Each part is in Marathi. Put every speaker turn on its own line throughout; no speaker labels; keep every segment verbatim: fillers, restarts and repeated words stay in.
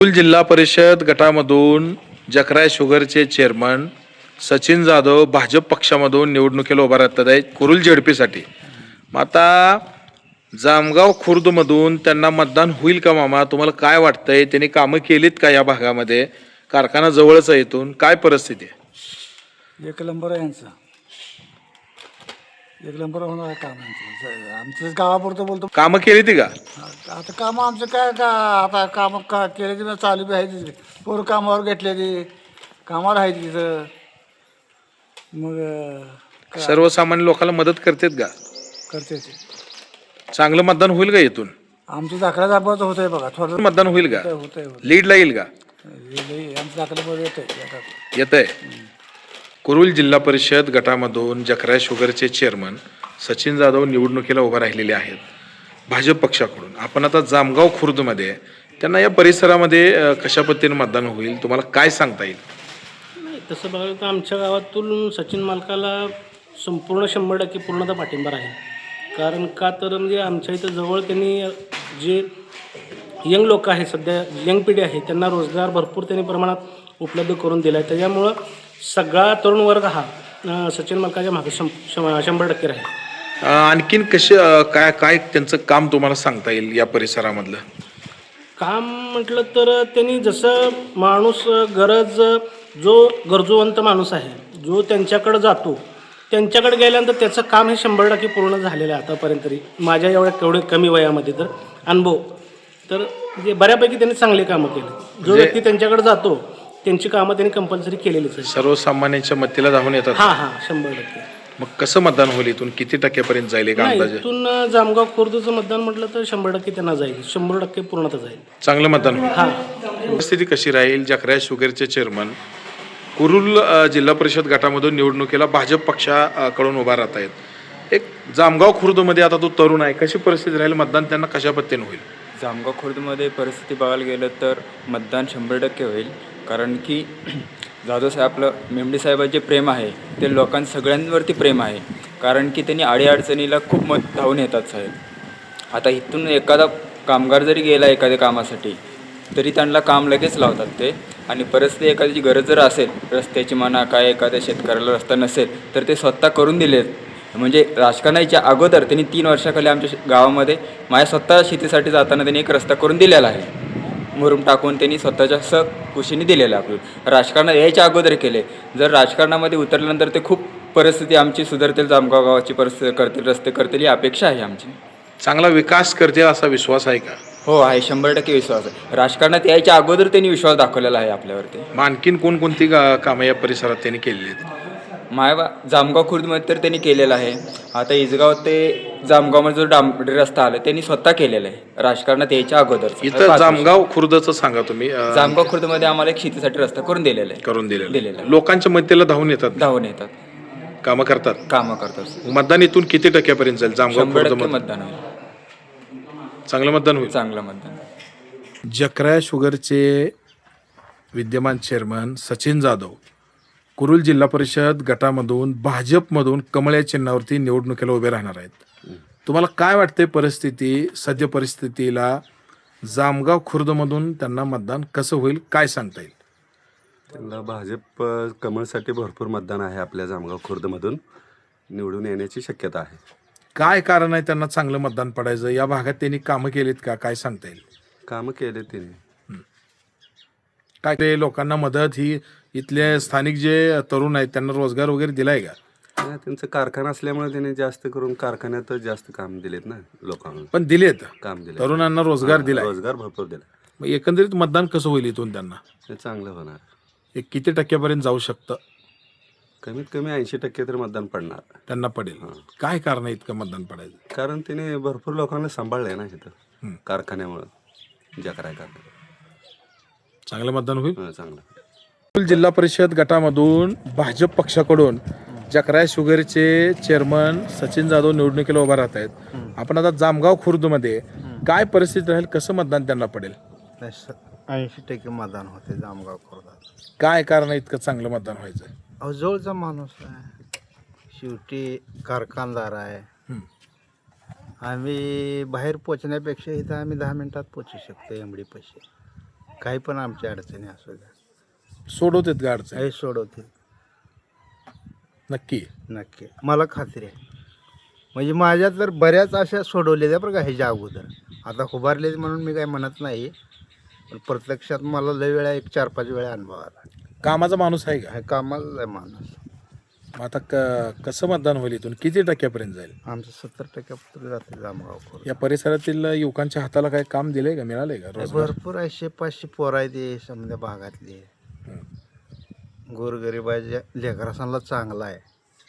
कुरुल जिल्हा परिषद गटामधून जकराय शुगरचे चेअरमन सचिन जाधव भाजप पक्षामधून निवडणुकीला उभा राहतात आहेत कुरुल झेडपीसाठी. मग आता जामगाव खुर्दमधून त्यांना मतदान होईल का मामा? तुम्हाला काय वाटतंय? त्यांनी कामं केलीत का या भागामध्ये? कारखाना जवळच आहे, इथून काय परिस्थिती आहे?
एक नंबर आहे यांचा. एक नंबर होणार आहे काम यांचं. आमचं गावापुरतं बोलतो.
कामं केली ती का?
आता कामं आमचं काय का आता कामं का केले ती चालू बी आहे तिथे. पोरं कामावर घेतले ती कामाला आहे तिथं. मग काय
सर्वसामान्य लोकांना मदत करतात का?
करते ते.
चांगलं मतदान होईल का इथून?
आमचं दाखला दाबाचं होत आहे बघा. थोडं
मतदान होईल का?
होत आहे होत
लीडला येईल का?
आहे आमचं दाखल्यामध्ये येत आहे.
येत आहे. कुरुल जिल्हा परिषद गटामधून जकराय शुगरचे चेअरमन सचिन जाधव निवडणुकीला उभा राहिलेले आहेत भाजप पक्षाकडून. आपण आता जामगाव खुर्दमध्ये त्यांना या परिसरामध्ये अ, कशा पद्धतीने मतदान होईल तुम्हाला काय सांगता येईल?
नाही, तसं बघायला तर आमच्या गावातून सचिन मालकाला संपूर्ण शंभर टक्के पूर्णतः पाठिंबा आहे. कारण का तर म्हणजे आमच्या इथं जवळ त्यांनी जे यंग लोक आहेत, सध्या यंग पिढी आहे, त्यांना रोजगार भरपूर त्यांनी प्रमाणात उपलब्ध करून दिला आहे. त्याच्यामुळं सगळा तरुण वर्ग हा अं, सचिन मालकाच्या मागे शं शं- शंभर टक्के राहील.
अ, आणखीन कसे अ, काय काय त्यांचं काम तुम्हाला सांगता येईल या परिसरामधलं?
काम म्हटलं तर त्यांनी जसं माणूस गरज जो गरजूवंत माणूस आहे, जो त्यांच्याकडं जातो, त्यांच्याकडे गेल्यानंतर त्याचं काम हे शंभर टक्के पूर्ण झालेलं आहे आतापर्यंत तरी. माझ्या एवढ्या केवढे कमी वयामध्ये तर अनुभव तर म्हणजे बऱ्यापैकी त्यांनी चांगली कामं केली. जो व्यक्ती त्यांच्याकडे जातो त्यांची कामं त्यांनी कंपल्सरी केलेलीच आहे.
सर्वसामान्यांच्या मतीला धावून येतात.
हां हां शंभर टक्के.
मग कसं मतदान होईल? इथून किती टक्क्यापर्यंत जाईल एक
नाही,
अंदाजे?
इथून जामगाव खुर्दचं मतदान म्हटलं तर शंभर टक्के त्यांना जाईल. शंभर टक्के पूर्णतः जाईल.
चांगलं मतदान होईल.
हां
परिस्थिती कशी राहील? जकराय शुगरचे चेअरमन कुरुल अ, जिल्हा परिषद गटामधून निवडणुकीला भाजप पक्षाकडून उभा राहत आहेत. एक जामगाव खुर्दमध्ये आता तो तरुण आहे, कशी परिस्थिती राहील? मतदान त्यांना कशा पद्धतीने होईल?
जामगाव खुर्दमध्ये परिस्थिती बघायला गेलं तर मतदान शंभर टक्के होईल. कारण की जाधव साहेब आपलं मेमडी साहेबांचे प्रेम आहे ते लोकां सगळ्यांवरती प्रेम आहे. कारण की त्यांनी अडीअडचणीला खूप मत धावून येतात साहेब. आता इथून एखादा कामगार जरी गेला एखाद्या कामासाठी तरी त्यांना काम लगेच लावतात ते. आणि परिस्थिती एखाद्याची गरज जर असेल, रस्त्याची म्हणा काय, एखाद्या शेतकऱ्याला रस्ता नसेल तर ते स्वतः करून दिलेत. म्हणजे राजकारणाच्या अगोदर त्यांनी तीन वर्षाखाली आमच्या श- गावामध्ये माझ्या स्वतः शेतीसाठी जाताना त्यांनी एक रस्ता करून दिलेला आहे. मुरुम टाकून त्यांनी स्वतःच्या स कुशीने दिलेलं आहे. आपलं राजकारणात यायच्या अगोदर केले. जर राजकारणामध्ये उतरल्यानंतर ते खूप परिस्थिती आमची सुधारतील, जामगाव गावाची परिस्थिती करतील, रस्ते करतील ही अपेक्षा आहे आमची.
चांगला विकास करतील असा विश्वास आहे का?
हो आहे, शंभर टक्के विश्वास आहे. राजकारणात यायच्या अगोदर त्यांनी विश्वास दाखवलेला आहे आपल्यावरती.
मग आणखीन कोणकोणती गा- कामं या परिसरात त्यांनी केलेली आहेत?
मायबा जामगाव खुर्दमध्ये तर त्यांनी केलेलं आहे. आता इजगाव ते जामगावमध्ये जो डांबरी रस्ता आला त्यांनी स्वतः केलेला आहे राजकारणात यायच्या अगोदर.
इथं जामगाव खुर्दचं सांगा तुम्ही. अ,
जामगाव खुर्दमध्ये आम्हाला एक शेतीसाठी रस्ता करून दिलेला आहे.
करून दिलेलं
दिलेलं आहे.
लोकांच्या मतीला धावून येतात,
धावून येतात,
कामं करतात.
कामं करतात.
मतदान इथून किती टक्क्यापर्यंत जाईल? जामगाव
शंभर टक्के
खुर्द
मतदान होईल.
चांगलं मतदान होईल.
चांगलं मतदान.
जकराय शुगरचे विद्यमान चेअरमन सचिन जाधव कुरुल जिल्हा परिषद गटामधून भाजपमधून कमळ या चिन्हावरती निवडणुकीला उभे राहणार आहेत. तुम्हाला काय वाटते परिस्थिती, सद्य परिस्थितीला जामगाव खुर्दमधून त्यांना मतदान कसं होईल, काय सांगता येईल?
त्यांना भाजप अ, कमळसाठी भरपूर मतदान आहे. आपल्या जामगाव खुर्दमधून निवडून येण्याची शक्यता आहे.
काय कारण आहे त्यांना चांगलं मतदान पडायचं? या भागात त्यांनी कामं केलीत का, काय सांगता येईल?
कामं केले तिने.
काय ते लोकांना मदत ही इथले स्थानिक जे तरुण आहेत त्यांना रोजगार वगैरे दिलाय का?
हा, त्यांचं कारखाना असल्यामुळे त्यांनी जास्त करून कारखान्यातच जास्त काम दिलेत ना लोकांना.
पण दिलेत,
काम दिले,
तरुणांना रोजगार दिलाय.
रोजगार भरपूर दिला.
मग एकंदरीत मतदान कसं होईल इथून त्यांना?
हे चांगलं होणार.
एक किती टक्क्यापर्यंत जाऊ शकतं?
कमीत कमी ऐंशी टक्के तर मतदान पडणार.
त्यांना पडेल. काय कारण आहे इतकं मतदान पडायचं?
कारण तिने भरपूर लोकांना सांभाळलंय ना इथं कारखान्यामुळं. जकराय कारखाना
चांगलं मतदान होईल.
हा, चांगलं.
कुरुल जिल्हा परिषद गटामधून भाजप पक्षाकडून जकराय शुगरचे चेअरमन सचिन जाधव निवडणुकीला उभा राहत आहेत. आपण आता जामगाव खुर्दमध्ये काय परिस्थिती राहील, कसं मतदान त्यांना पडेल?
ऐंशी टक्के मतदान होते जामगाव खुर्दात.
काय कारण आहे इतकं चांगलं मतदान व्हायचं?
अहो जवळचा माणूस आहे, शेवटी कारखानदार आहे. आम्ही बाहेर पोचण्यापेक्षा इथं आम्ही दहा मिनिटात पोचू शकतो एमडी पैसे. काही पण आमच्या अडचणी असू द्या
सोडवतात का अडचण?
हे सोडवतील
नक्की.
नक्की, मला खात्री आहे. म्हणजे माझ्या तर बऱ्याच अशा सोडवलेल्या बरं का ह्याच्या अगोदर. आता उभारले म्हणून मी काही म्हणत नाही, पण प्रत्यक्षात मला लय वेळा एक चार पाच वेळा अनुभव आला.
कामाचा माणूस आहे का?
हे कामाला लय माणूस.
मग आता क कसं मतदान होईल इथून? किती टक्क्यापर्यंत जाईल?
आमचं सत्तर टक्के जाते जामगाव खोरं.
या परिसरातील युवकांच्या हाताला काही काम दिलंय का, मिळालंय का रोजगार?
भरपूर आहे, पाचशे पोरं आहे ते समजा भागातले. गोरगरिबाच्या लेकरासांना चांगला आहे.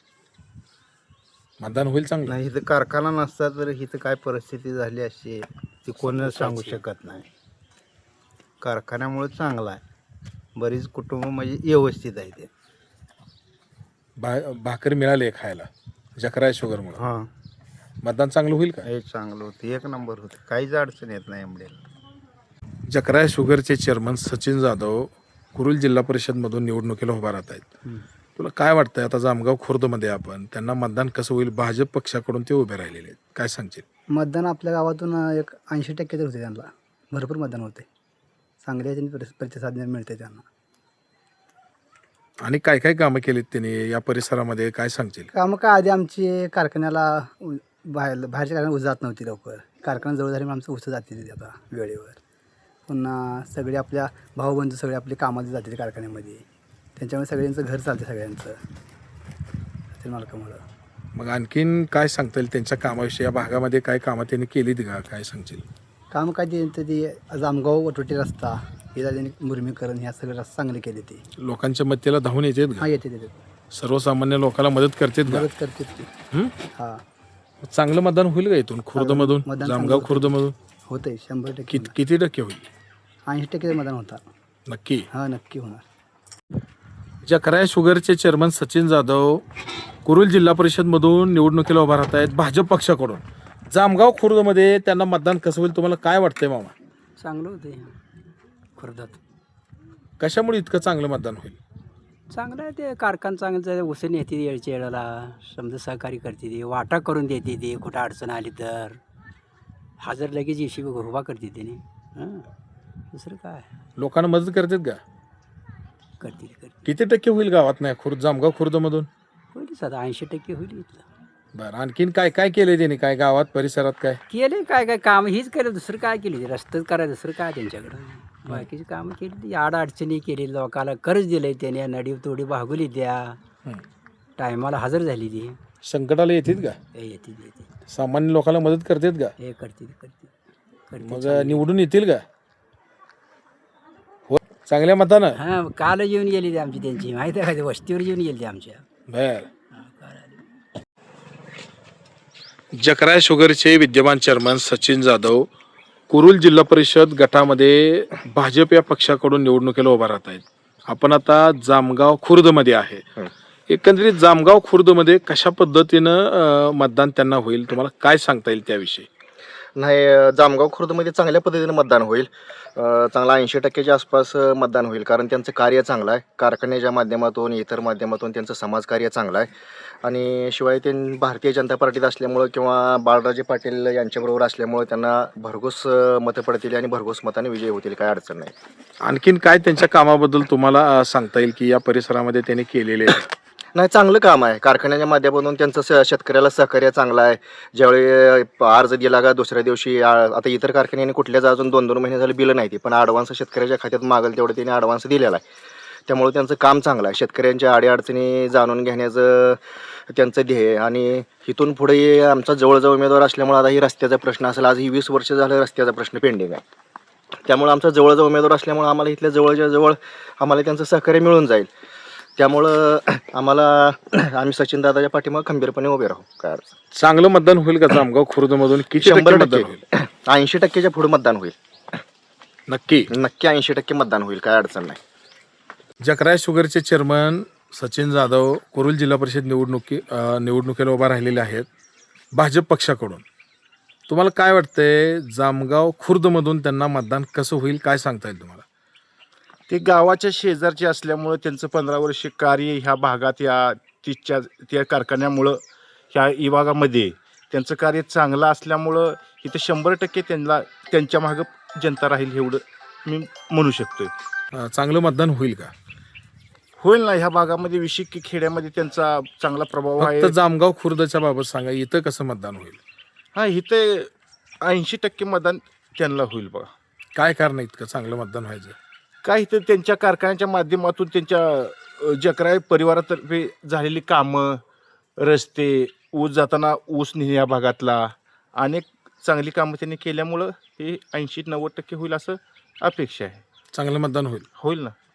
मतदान होईल चांगलं?
नाही इथं कारखाना नसता तर इथं काय परिस्थिती झाली अशी ती कोणच सांगू शकत नाही. कारखान्यामुळे चांगला आहे. बरीच कुटुंब म्हणजे व्यवस्थित आहे ते.
भा भाकर मिळाली खायला जकराय शुगरमुळे.
हां,
मतदान चांगलं होईल का?
हे चांगलं होतं, एक नंबर होतं, काहीच अडचण येत नाही एमडेला.
जकराय शुगरचे चेअरमन सचिन जाधव कुरुल जिल्हा परिषदमधून निवडणुकीला उभा राहत आहेत. तुला काय वाटतंय, आता जामगाव खुर्दमध्ये आपण त्यांना मतदान कसं होईल? भाजप पक्षाकडून ते उभे राहिलेले आहेत, काय सांगशील?
मतदान आपल्या गावातून एक ऐंशी टक्के तर होते, त्यांना भरपूर मतदान होते, चांगले याच्याने प्रतिसाद मिळते त्यांना.
आणि काय काय कामं केलीत त्यांनी या परिसरामध्ये, काय सांगशील?
कामं काय, आधी आमची कारखान्याला उ- बाहेर बाहेरच्या कारखान्यात ऊस जात नव्हती लवकर. कारखाना जवळ झाल्यामुळे आमचं ऊस जाते तिथे आता वेळेवर. पुन्हा सगळे आपल्या भाऊबंधू सगळे आपले कामाला जाते कारखान्यामध्ये, त्यांच्यामुळे सगळ्यांचं घर चालते सगळ्यांचं ते मालकामुळं.
मग आणखीन काय सांगता येईल त्यांच्या कामाविषयी? या भागामध्ये काय कामं त्यांनी केलीत का, काय सांगशील?
काम काय ते तर ते जामगाव वटवटी रस्ता हे त्यांनी मुरमीकरण ह्या सगळे रस्ते चांगले केले ते.
लोकांच्या मतीला धावून येतात
हां
का?
येते येते
सर्वसामान्य लोकांना मदत करतात का?
मदत करते ते.
हं?
हां
चांगलं मतदान होईल का इथून खुर्दमधून,
मतदान
जामगाव
चांगलं
खुर्दमधून?
होतंय शंभर टक्के.
कित किती टक्के होईल?
ऐंशी टक्के मतदान होता.
नक्की.
हां नक्की होणार.
जकराय शुगरचे चेअरमन सचिन जाधव कुरुल जिल्हा परिषदमधून निवडणुकीला उभा राहत आहेत भाजप पक्षाकडून. जामगाव खुर्दमध्ये त्यांना मतदान कसं होईल, तुम्हाला काय वाटतंय मामा?
चांगलं होते खुर्दात.
कशामुळे इतकं चांगलं मतदान होईल?
चांगलं आहे ते, कारखान चांगलं उसण येते येळच्या येळाला, समजा सहकार्य करते ते, वाटा करून देते ते, कुठं अडचण आली तर हजर लगेच येशी उभा करते त्याने. हां दुसरं काय
लोकांना मदत करतात का?
करते ते करते
किती टक्के होईल गावात नाही खुर्द जामगाव खुर्दमधून?
होईल साधा ऐंशी टक्के होईल इथलं.
बरं, आणखीन काय काय केलंय त्यांनी, काय गावात परिसरात काय?
केले काय काय काम हीच केलं, दुसरं काय केली, रस्तेच करायचं दुसरं काय त्यांच्याकडं. बाकीची कामं केली, आड अडचणी केली, लोकाला कर्ज दिलंय त्याने, नडी तोडी भागवली द्या, टायमाला हजर झाली ती.
संकटाला येतात का?
हे येते येते
सामान्य लोकांना मदत करतात का?
हे करते ते करते करते
मग निवडून येतील का? हो, चांगल्या मतानं.
हां काल येऊन गेली ती आमची, त्यांची माहिती आहे का, ते वस्तीवर येऊन गेली ती आमच्या.
बर. जकराय शुगरचे विद्यमान चेअरमन सचिन जाधव कुरुल जिल्हा परिषद गटामध्ये भाजप या पक्षाकडून निवडणुकीला उभा राहत आहेत. आपण आता जामगाव खुर्दमध्ये आहे. एकंदरीत जामगाव खुर्दमध्ये कशा पद्धतीनं अं, मतदान त्यांना होईल, तुम्हाला काय सांगता येईल त्याविषयी?
नाही, जामगाव खुर्दमध्ये चांगल्या पद्धतीने मतदान होईल. अ, चांगला ऐंशी टक्क्याच्या आसपास अ, मतदान होईल, कारण त्यांचं कार्य चांगलं आहे. कारखान्याच्या माध्यमातून, इतर माध्यमातून त्यांचं समाजकार्य चांगलं आहे. आणि शिवाय ते भारतीय जनता पार्टीत असल्यामुळं किंवा बाळराजे पाटील यांच्याबरोबर असल्यामुळं त्यांना भरघोस अ, मतं पडतील आणि भरघोस मताने विजय होतील, काय अडचण नाही.
आणखीन काय त्यांच्या कामाबद्दल तुम्हाला अं, सांगता येईल की या परिसरामध्ये त्यांनी केलेले?
नाही, चांगलं काम आहे. कारखान्याच्या माध्यमातून त्यांचं स शेतकऱ्याला सहकार्य चांगलं आहे. ज्यावेळी अर्ज दिला का दुसऱ्या दिवशी आ, आता इतर कारखान्याने कुठल्याच अजून दोन दोन महिने झाले बिलं नाही ती, पण ॲडव्हान्स शेतकऱ्याच्या खात्यात मागेल तेवढं त्यांनी ॲडव्हान्स दिलेला आहे. त्यामुळे त्यांचं काम चांगलं आहे. शेतकऱ्यांच्या अडीअडचणी जाणून घेण्याचं त्यांचं ध्येय. आणि इथून पुढे आमचा जवळजवळ उमेदवार असल्यामुळे आता ही रस्त्याचा प्रश्न असेल, आज ही वीस वर्ष झालं रस्त्याचा प्रश्न पेंडिंग आहे. त्यामुळं आमचा जवळजवळ उमेदवार असल्यामुळे आम्हाला इथल्या जवळच्या जवळ आम्हाला त्यांचं सहकार्य मिळून जाईल. त्यामुळं आम्हाला आम्ही सचिन दादाच्या पाठीमागे खंबीरपणे उभे राहू, काय अडचण.
चांगलं मतदान होईल का जामगाव खुर्दमधून? किती
शंभर
टक्के मतदान होईल?
टक्के ऐंशी टक्क्याच्या पुढे मतदान होईल.
नक्की.
नक्की ऐंशी टक्के मतदान होईल, काय अडचण नाही.
जकराय शुगरचे चेअरमन सचिन जाधव कुरुल जिल्हा परिषद निवडणुकी अं, निवडणुकीला उभा राहिलेले आहेत भाजप पक्षाकडून. तुम्हाला काय वाटतंय, जामगाव खुर्दमधून त्यांना मतदान कसं होईल, काय सांगता येईल तुम्हाला?
ते गावाच्या शेजारचे असल्यामुळं त्यांचं पंधरा वर्ष कार्य ह्या भागात, या तिच्या त्या कारखान्यामुळं ह्या विभागामध्ये त्यांचं कार्य चांगलं असल्यामुळं इथं शंभर टक्के त्यांना त्यांच्या मागं जनता राहील एवढं मी म्हणू शकतोय.
अं, चांगलं मतदान होईल का?
होईल ना, ह्या भागामध्ये विशिक की खेड्यामध्ये त्यांचा चांगला प्रभाव आहे.
फक्त जामगाव खुर्दच्या बाबत सांगा, इथं कसं मतदान होईल?
हा, इथे ऐंशी टक्के मतदान त्यांना होईल बघा.
काय कारण आहे इतकं चांगलं मतदान व्हायचं?
काय तर त्यांच्या कारखान्याच्या माध्यमातून त्यांच्या अ, जकराय परिवारातर्फे झालेली कामं, रस्ते, ऊस जाताना ऊस नेणे या भागातला अनेक चांगली कामं त्यांनी केल्यामुळं हे ऐंशी नव्वद टक्के होईल असं अपेक्षा आहे.
चांगलं मतदान होईल.
होईल ना.